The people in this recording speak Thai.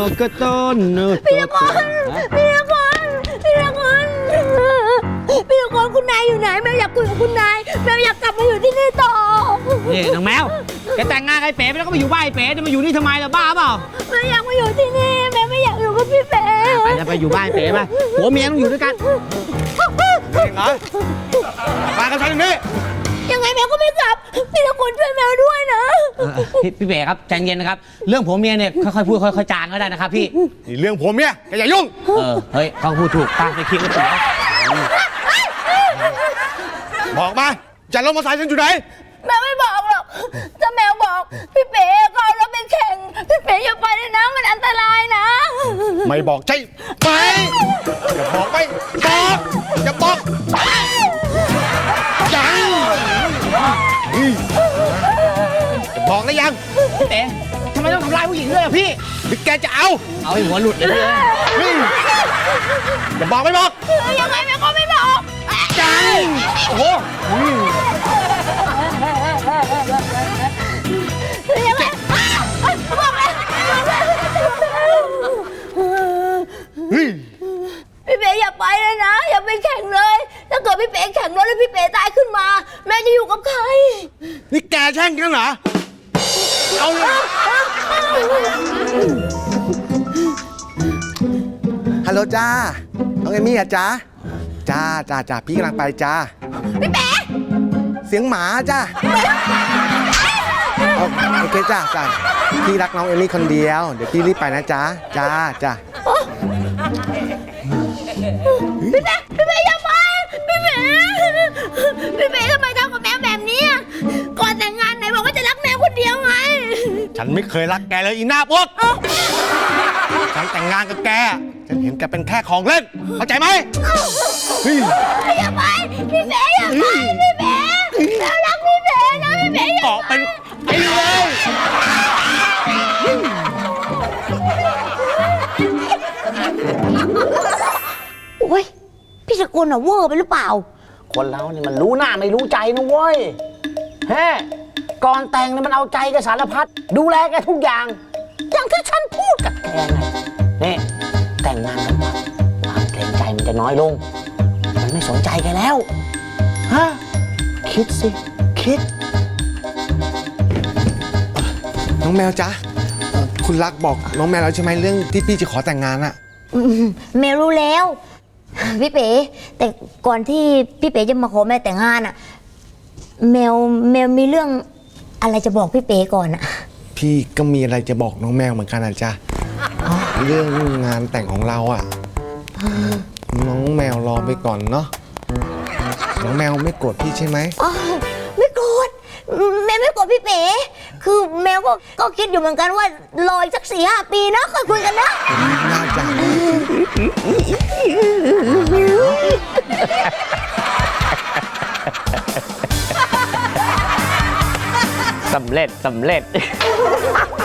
กต้นพี่ละครคุณนายอยู่ไหนแมวอยากคุยกับคุณนายแมวอยากกลับมาอยู่ที่นี่ต่อนี่น้องแมวแกแต่งงานกับไอ้เป๋ไปแล้วก็มาอยู่บ้านไอ้เป๋จะมาอยู่นี่ทำไมล่ะบ้าเปล่าแมวอยากมาอยู่ที่นี่แมวไม่อยากอยู่กับพี่เป๋ไปจะไปอยู่บ้านไอ้เป๋ป่ะผัวเมียต้องอยู่ด้วยกันเหรอมากับฉันตรงนี้ยังไงแมวก็ไม่กลับพี่ละครช่วยแมวด้วยนะพี่เป๋ครับใจเย็นนะครับเรื่องผัวเมียเนี่ยค่อยๆพูดค่อยๆจางก็ได้นะครับพี่นี่เรื่องผัวเมียแกอย่ายุ่งเฮ้ยเขาพูดถูกป้าไปคิดก็ถูกบอกมาจะรถมอเตอร์ไซค์ฉันอยู่ไหนแมวไม่บอกหรอกถ้าแมวบอกพี่เป๋ก็เอารถไปแข่งพี่เป๋อย่าไปเลยนะมันอันตรายนะไม่บอกใช่ไหมอย่าบอกไปบอกอย่าบอกยังจะบอกได้ยังพี่เต๋ทำไมต้องทำร้ายผู้หญิงด้วยพี่หรือแกจะเอาให้หัวหลุดเลยจะบอกไม่บอกยังไงแม่ก็ไม่บอกจังโอ้โหยังไงบอกเลยพี่เป๋อย่าไปเลยนะอย่าไปแข่งเลยถ้าเกิดพี่เป๋แข่งรถแล้วพี่เป๋ตายขึ้นมาแม่จะอยู่กับใครนี่แกแช่งกันเหรอเอาเลยฮัลโหลจ้าน้องเอมี่อะจ้าจ้าพี่กำลังไปจ้าพี่เป๋เสียงหมาจ้าโอเคจ้าพี่รักน้องเอมี่คนเดียวเดี๋ยวพี่รีบไปนะจ้าพี่เป๋อย่าไปพี่เป๋ทำไมทำกับแมวแบบนี้ก่อนแต่งงานไหนบอกว่าจะรักแมวคนเดียวไงฉันไม่เคยรักแกเลยอีหน้าพวกฉันแต่งงานกับแกฉันเห็นแกเป็นแค่ของเล่นเข้าใจไหมอย่าไปพี่เป๋อย่าไปพี่เป๋แมวรักพี่เป๋นะพี่เป๋เกาะเป็นไอ้เลยโอ้ยพี่สกุลเวอร์ไปหรือเปล่าคนเราเนี่ยมันรู้หน้าไม่รู้ใจนะเว้ยก่อนแต่งเนี่ยมันเอาใจกับสารพัดดูแลแกทุกอย่างอย่างที่ฉันพูดกับแกไงนี่แต่งงานกันปั๊บความเกรงใจมันจะน้อยลงมันไม่สนใจแกแล้วคิดสิคิดน้องแมวจ๊ะคุณรักบอกน้องแมวแล้วใช่ไหมเรื่องที่พี่จะขอแต่งงานอะแมวรู้แล้วพี่เป๋แต่ก่อนที่พี่เป๋จะมาขอแม่แต่งงานอะแมวมีเรื่องอะไรจะบอกพี่เป๋ก่อนอะพี่ก็มีอะไรจะบอกน้องแมวเหมือนกันนะจ๊ะเรื่องงานแต่งของเราอะน้องแมวรอไปก่อนเนาะน้องแมวไม่โกรธพี่ใช่ไหมไม่โกรธแมวไม่โกรธพี่เป๋คือแมวก็คิดอยู่เหมือนกันว่ารออีกสัก 4-5 ปีนะค่อยคุยกันนะน่าจะสำเร็จ